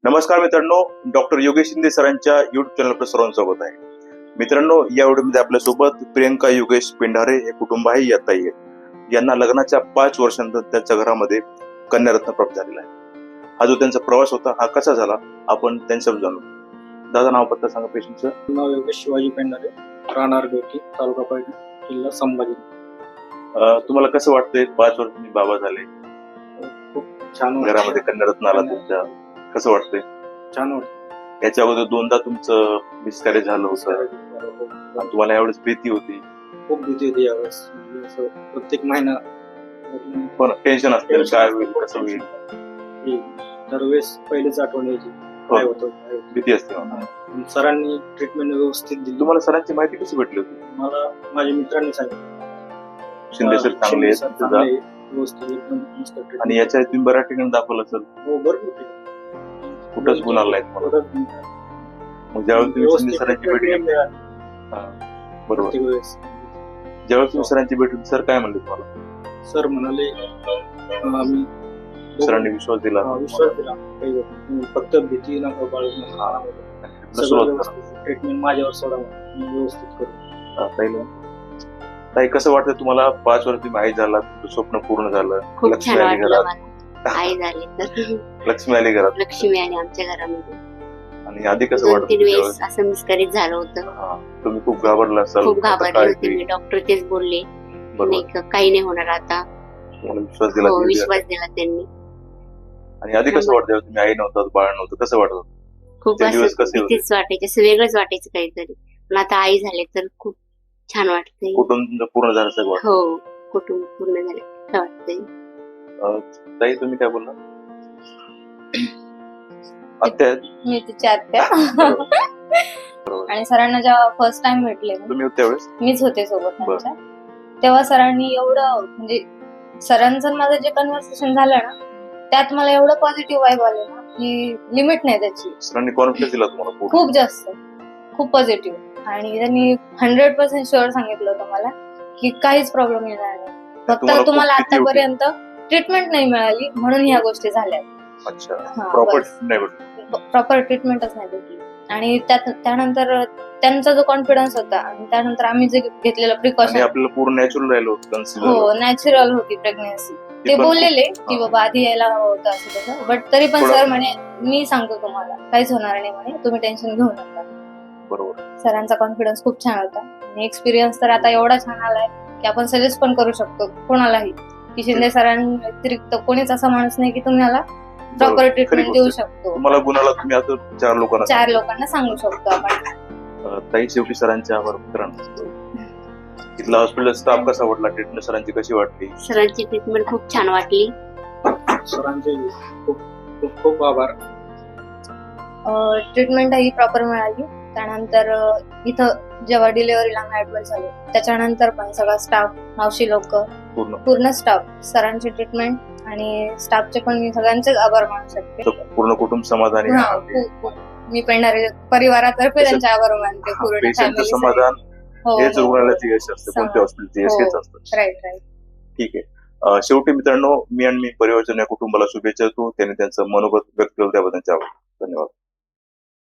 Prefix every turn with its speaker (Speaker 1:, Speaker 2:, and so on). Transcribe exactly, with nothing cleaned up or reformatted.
Speaker 1: नमस्कार मित्रांनो, डॉक्टर योगेश शिंदे सरांच्या युट्यूब चॅनलवर सर्वांचं स्वागत आहे. मित्रांनो, या व्हिडिओमध्ये आपल्यासोबत प्रियंका योगेश पेंढारे हे कुटुंब आहे. या ताई आहेत, यांना लग्नाच्या पाच वर्षांनंतर त्यांच्या घरामध्ये कन्यारत्न प्राप्त झालेला आहे. हा जो त्यांचा प्रवास होता हा कसा झाला आपण त्यांच्यावर जाणू. दादा, नाव पत्ता सांगा पेशंटचं.
Speaker 2: नाव योगेश शिवाजी पेंढारे, राहणार गोटी, तालुका पैठण, जिल्हा संभाजी.
Speaker 1: तुम्हाला कसं वाटतंय पाच वर्ष तुम्ही बाबा झाले,
Speaker 2: खूप छान
Speaker 1: घरामध्ये कन्यारत्न आला तुमच्या, कसं वाटतंय?
Speaker 2: छान वाटतं.
Speaker 1: याच्या अगोदर दोनदा तुमचं मिसकॅरेज झालं होतं, तुम्हाला यावेळेस भीती होती?
Speaker 2: खूप भीती होती यावेळेस. म्हणजे असं प्रत्येक महिना
Speaker 1: पण टेन्शन असतं, काय होईल कसं होईल,
Speaker 2: दरवेळेस पहिलेच आठवण यायची काय होतं काय होतं.
Speaker 1: भीती असते.
Speaker 2: पण सरांनी ट्रीटमेंट व्यवस्थित दिली.
Speaker 1: तुम्हाला सरांची माहिती कशी भेटली होती?
Speaker 2: मला माझ्या मित्रांनी सांगितलं
Speaker 1: शिंदे सर चांगले आहेत
Speaker 2: शिंदे सर
Speaker 1: तुझा,
Speaker 2: चांगले, व्यवस्थित एकदम मस्त treatment.
Speaker 1: आणि याच्या आधी तुम्ही बऱ्याच ठिकाणी दाखवलं सर,
Speaker 2: हो भरपूर ठिकाणी.
Speaker 1: कुठंच गुण आला नाही तुम्हाला?
Speaker 2: कुठंच गुण आला.
Speaker 1: मग ज्यावेळेस तुम्ही
Speaker 2: व्यवस्थित
Speaker 1: शिंदे सरांची भेट
Speaker 2: treatment
Speaker 1: घेतली,
Speaker 2: मिळाली
Speaker 1: हा, बरोबर,
Speaker 2: प्रत्येक वेळेस.
Speaker 1: ज्यावेळेस तुम्ही सरांची भेट घेतली, सर काय म्हणले तुम्हाला?
Speaker 2: सर म्हणाले अं, आम्ही
Speaker 1: सरांनी विश्वास दिला,
Speaker 2: हा, विश्वास दिला काही होत नाही. फक्त भीती नका बाळगू नका. सगळं
Speaker 1: सुरुवात
Speaker 2: व्यवस्थित ट्रीटमेंट माझ्यावर सोडा, मी व्यवस्थित करू.
Speaker 1: करा. ताई, ताई कसं वाटतं तुम्हाला? पाच वर्ष तुम्ही आई झाला, तुमचं स्वप्न पूर्ण झालं,
Speaker 3: खूप
Speaker 1: लक्ष्मी
Speaker 3: छान
Speaker 1: आली
Speaker 3: वाटलं
Speaker 1: घरात,
Speaker 3: मला. आई झाली तर
Speaker 1: लक्ष्मी आली घरात.
Speaker 3: लक्ष्मी आली आमच्या घरामध्ये.
Speaker 1: आणि आधी कसं
Speaker 3: दोन
Speaker 1: वाटत
Speaker 3: तीन वेळेस असं मिसकॅरेज झालं होतं.
Speaker 1: तुम्ही खूप घाबरला असाल,
Speaker 3: खूप
Speaker 1: आता
Speaker 3: घाबरले
Speaker 1: काय
Speaker 3: होते
Speaker 1: होईल?
Speaker 3: मी. डॉक्टर तेच बोलले
Speaker 1: बरोबर,
Speaker 3: नाही का, काही नाही होणार आता.
Speaker 1: तुम्हाला विश्वास दिला
Speaker 3: हो,
Speaker 1: तुम्ही.
Speaker 3: विश्वास दिला त्यांनी.
Speaker 1: आणि आधी कसं वाटतं तुम्ही आई नव्हतात, बाळ नव्हतं, कसं वाटत?
Speaker 3: खूप
Speaker 1: ते दिवस
Speaker 3: असं
Speaker 1: कसे होते?
Speaker 3: भीतीच वाटायची, असं वेगळंच वाटायचं काहीतरी. पण आता आई झाले तर खूप छान वाटतंय.
Speaker 1: कुटुंब तुमचं पूर्ण झालं सगळं वाटतं.
Speaker 3: हो, कुटुंब पूर्ण झाले असं वाटतंय.
Speaker 1: अं, ताई तुम्ही काय बोलला? आत्या आहेत?
Speaker 4: मी तिची आत्या.
Speaker 1: बरोबर.
Speaker 4: आणि सरांना जेव्हा फर्स्ट टाइम भेटले ना,
Speaker 1: तुम्ही त्यावेळेस
Speaker 4: मीच होते सोबत त्यांच्या, तेव्हा सरांनी एवढं म्हणजे सरांचं आणि माझं जे कन्व्हर्सेशन झालं ना, त्यात मला एवढं पॉझिटिव्ह वाईब आले ना की लिमिट नाही त्याची.
Speaker 1: सरांनी कॉन्फिडन्स दिला तुम्हाला पूर्ण?
Speaker 4: खूप जास्त, खूप पॉझिटिव्ह. आणि त्यांनी हंड्रेड पर्सेंट शुअर सांगितलं होतं मला की काहीच प्रॉब्लेम येणार नाही. फक्त
Speaker 1: तुम्हाला
Speaker 4: तुम्हाला
Speaker 1: खूप भीती होती?
Speaker 4: आतापर्यंत ट्रीटमेंट नाही मिळाली म्हणून ह्या गोष्टी झाल्या.
Speaker 1: अच्छा,
Speaker 4: हा,
Speaker 1: प्रॉपर
Speaker 4: बस.
Speaker 1: नाही भेटली.
Speaker 4: प्रॉपर ट्रीटमेंटच नाही भेटली. आणि त्यात त्यानंतर त्यांचा जो कॉन्फिडन्स होता आणि त्यानंतर आम्ही जे घेतलेलं
Speaker 1: आणि
Speaker 4: प्रिकॉशन,
Speaker 1: आपल्याला पूर्ण नॅचरल राहिलं होतं, conceived
Speaker 4: हो
Speaker 1: झालं.
Speaker 4: नॅचरल होती प्रेग्नन्सी.
Speaker 1: ते
Speaker 4: ते
Speaker 1: पण
Speaker 4: बोललेले
Speaker 1: खूप-
Speaker 4: की
Speaker 1: हा.
Speaker 4: बाबा आधी यायला हवं होतं असं तसं, बट तरी पण
Speaker 1: थोडं-
Speaker 4: सर म्हणे मी सांगतो तुम्हाला काहीच होणार नाही म्हणे, तुम्ही टेन्शन घेऊ नका.
Speaker 1: बरोबर.
Speaker 4: सरांचा कॉन्फिडन्स खूप छान होता आणि एक्सपिरियन्स तर आता एवढा छान आलाय की आपण सजेस्ट पण करू शकतो कोणालाही की शिंदे सरांव्यतिरिक्त कोणीच असा माणूस नाही की तुम्हाला प्रॉपर
Speaker 1: खरी
Speaker 4: ट्रीटमेंट
Speaker 1: गोष्ट
Speaker 4: देऊ
Speaker 1: आहे.
Speaker 4: शकतो.
Speaker 1: तुम्हाला गुणाला तुम्ही आता चार लोकांना
Speaker 4: चार लोकांना सांगू शकतो आपण.
Speaker 1: अं, ताई, शेवटी सरांच्या आभार मित्रांनो. तिथला हॉस्पिटल स्टाफ कसा वाटला? ट्रीटमेंट सरांची कशी वाटली?
Speaker 3: सरांची ट्रीटमेंट खूप छान वाटली.
Speaker 2: सरांचे खूप खूप खूप आभार.
Speaker 4: ट्रीटमेंट ही प्रॉपर मिळाली. त्यानंतर अ, इथं जेव्हा डिलिव्हरीला आम्ही ऍडमिट झालो त्याच्यानंतर पण सगळा स्टाफ, मावशी लोक,
Speaker 1: पूर्ण
Speaker 4: पूर्ण स्टाफ, सरांची ट्रीटमेंट आणि स्टाफचे पण मी सगळ्यांचे आभार मानू शकते.
Speaker 1: तर पूर्ण कुटुंब समाधानी
Speaker 4: हा,
Speaker 1: आहे.
Speaker 4: खूप खूप. मी पेंढारे परिवारातर्फे त्यांचे आभार मानते. पूर्ण
Speaker 1: पेशंटचं
Speaker 4: फॅमिली.
Speaker 1: समाधान
Speaker 4: हो
Speaker 1: हेच रुग्णालयाचे यश असतं, कोणत्या हॉस्पिटलचे यश
Speaker 4: हो.
Speaker 1: हेच असतं.
Speaker 4: Right right.
Speaker 1: ठीक आहे. अं, शेवटी मित्रांनो, मी आणि मी परिवारच्या या कुटुंबाला शुभेच्छा देतो. त्यांनी त्यांचं मनोगत व्यक्त केलं त्याबद्दल त्यांचे आभार. धन्यवाद.